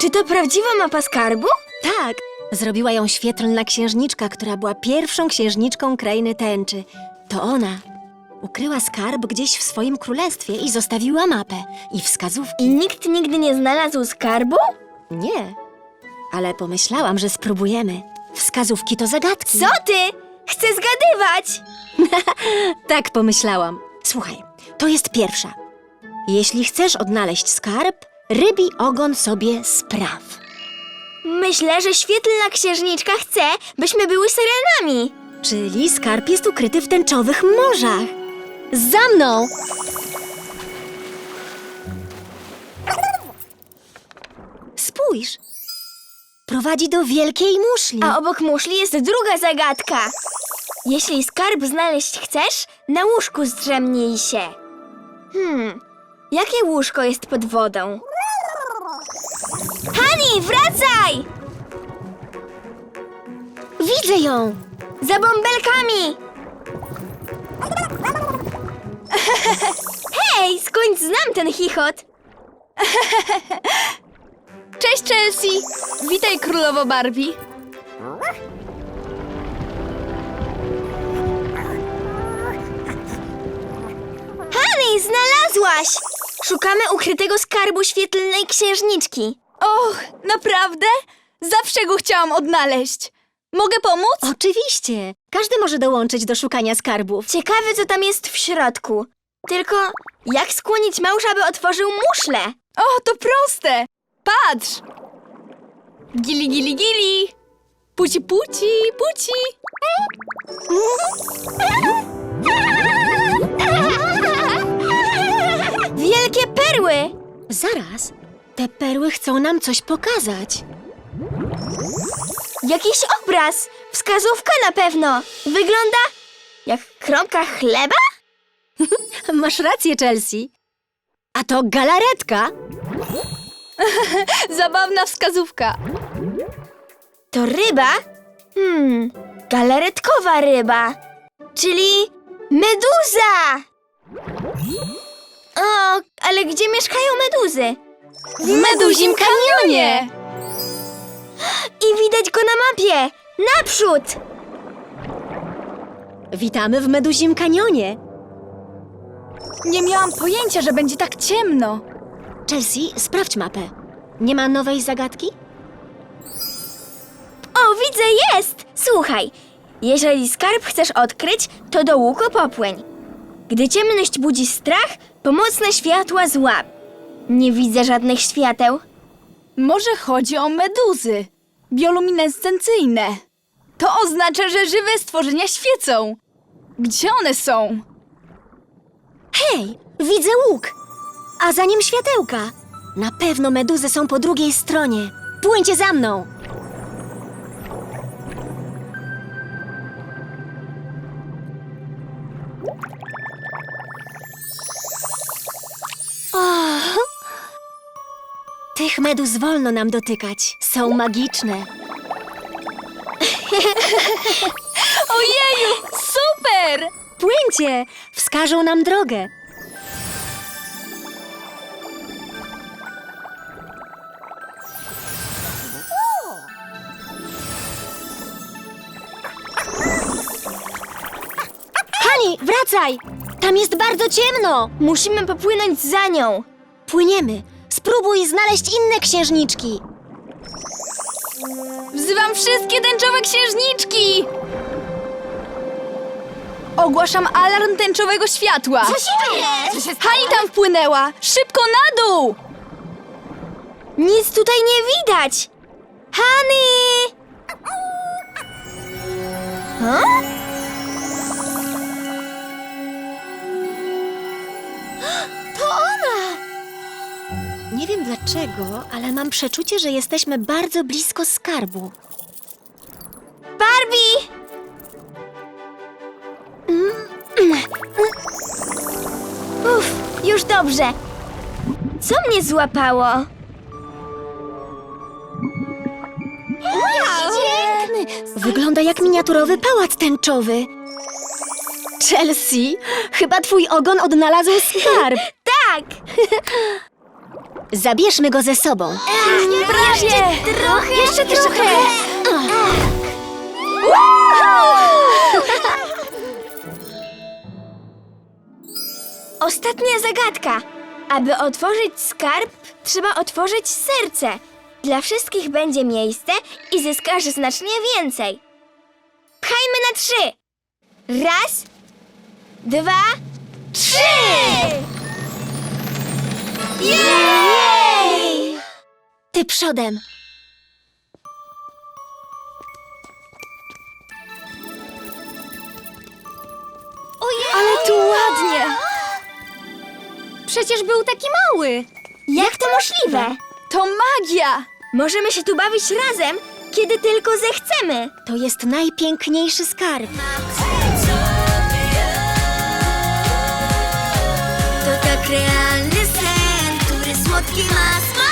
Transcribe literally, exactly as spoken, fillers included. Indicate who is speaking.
Speaker 1: Czy to prawdziwa mapa skarbu?
Speaker 2: Tak, zrobiła ją świetlna księżniczka, która była pierwszą księżniczką krainy tęczy. To ona ukryła skarb gdzieś w swoim królestwie i zostawiła mapę i wskazówki.
Speaker 1: I nikt nigdy nie znalazł skarbu?
Speaker 2: Nie, ale pomyślałam, że spróbujemy. Wskazówki to zagadki.
Speaker 1: Co ty? Chcę zgadywać!
Speaker 2: Tak pomyślałam. Słuchaj, to jest pierwsza. Jeśli chcesz odnaleźć skarb, rybi ogon sobie spraw.
Speaker 1: Myślę, że świetlna księżniczka chce, byśmy były syrenami.
Speaker 2: Czyli skarb jest ukryty w tęczowych morzach. Za mną! Spójrz! Prowadzi do wielkiej muszli.
Speaker 1: A obok muszli jest druga zagadka. Jeśli skarb znaleźć chcesz, na łóżku zdrzemnij się. Hmm, jakie łóżko jest pod wodą? Hani, wracaj!
Speaker 2: Widzę ją!
Speaker 1: Za bąbelkami! Hej, skąd znam ten chichot?
Speaker 3: Cześć, Chelsea! Witaj, królowo Barbie.
Speaker 1: Hani, znalazłaś! Szukamy ukrytego skarbu świetlnej księżniczki.
Speaker 3: Och, naprawdę? Zawsze go chciałam odnaleźć. Mogę pomóc?
Speaker 2: Oczywiście! Każdy może dołączyć do szukania skarbów.
Speaker 1: Ciekawe, co tam jest w środku. Tylko jak skłonić małża, by otworzył muszlę?
Speaker 3: O, to proste! Patrz! Gili, gili, gili! Puci, puci, puci!
Speaker 1: Wielkie perły!
Speaker 2: Zaraz, te perły chcą nam coś pokazać.
Speaker 1: Jakiś obraz! Wskazówka na pewno! Wygląda jak kromka chleba?
Speaker 2: Masz rację, Chelsea. A to galaretka.
Speaker 3: Zabawna wskazówka.
Speaker 1: To ryba? Hmm, galaretkowa ryba. Czyli meduza! O, ale gdzie mieszkają meduzy?
Speaker 3: W Meduzim Kanionie!
Speaker 1: I widać go na mapie! Naprzód!
Speaker 2: Witamy w Meduzim Kanionie.
Speaker 3: Nie miałam pojęcia, że będzie tak ciemno.
Speaker 2: Chelsea, sprawdź mapę. Nie ma nowej zagadki?
Speaker 1: O, widzę, jest! Słuchaj, jeżeli skarb chcesz odkryć, to do łuku popłyń. Gdy ciemność budzi strach, pomocne światła złap. Nie widzę żadnych świateł.
Speaker 3: Może chodzi o meduzy. Bioluminescencyjne. To oznacza, że żywe stworzenia świecą. Gdzie one są?
Speaker 2: Hej, widzę łuk. A za nim światełka. Na pewno meduzy są po drugiej stronie. Płyńcie za mną. O! Tych meduz wolno nam dotykać. Są magiczne.
Speaker 3: Ojeju, super!
Speaker 2: Płyńcie! Wskażą nam drogę. Hani, wracaj! Tam jest bardzo ciemno!
Speaker 1: Musimy popłynąć za nią.
Speaker 2: Płyniemy. Spróbuj znaleźć inne księżniczki.
Speaker 3: Wzywam wszystkie tęczowe księżniczki! Ogłaszam alarm tęczowego światła.
Speaker 1: Co się dzieje?
Speaker 3: Hani tam wpłynęła! Szybko na dół!
Speaker 1: Nic tutaj nie widać. Hani! Ha? To ona!
Speaker 2: Nie wiem dlaczego, ale mam przeczucie, że jesteśmy bardzo blisko skarbu.
Speaker 1: Barbie! Uff, już dobrze. Co mnie złapało? Piękny!
Speaker 2: Wygląda jak miniaturowy pałac tęczowy. Chelsea, chyba twój ogon odnalazł skarb.
Speaker 1: Tak!
Speaker 2: Zabierzmy go ze sobą.
Speaker 1: Prawie! Trochę, jeszcze trochę! Ostatnia zagadka. Aby otworzyć skarb, trzeba otworzyć serce. Dla wszystkich będzie miejsce i zyskasz znacznie więcej. Pchajmy na trzy. Raz, dwa, trzy! Jej!
Speaker 2: Ty przodem.
Speaker 3: Ale tu ładnie!
Speaker 2: Przecież był taki mały.
Speaker 1: Jak to możliwe?
Speaker 3: To magia!
Speaker 1: Możemy się tu bawić razem, kiedy tylko zechcemy.
Speaker 2: To jest najpiękniejszy skarb.
Speaker 1: To tak realny sen, który słodki ma smak.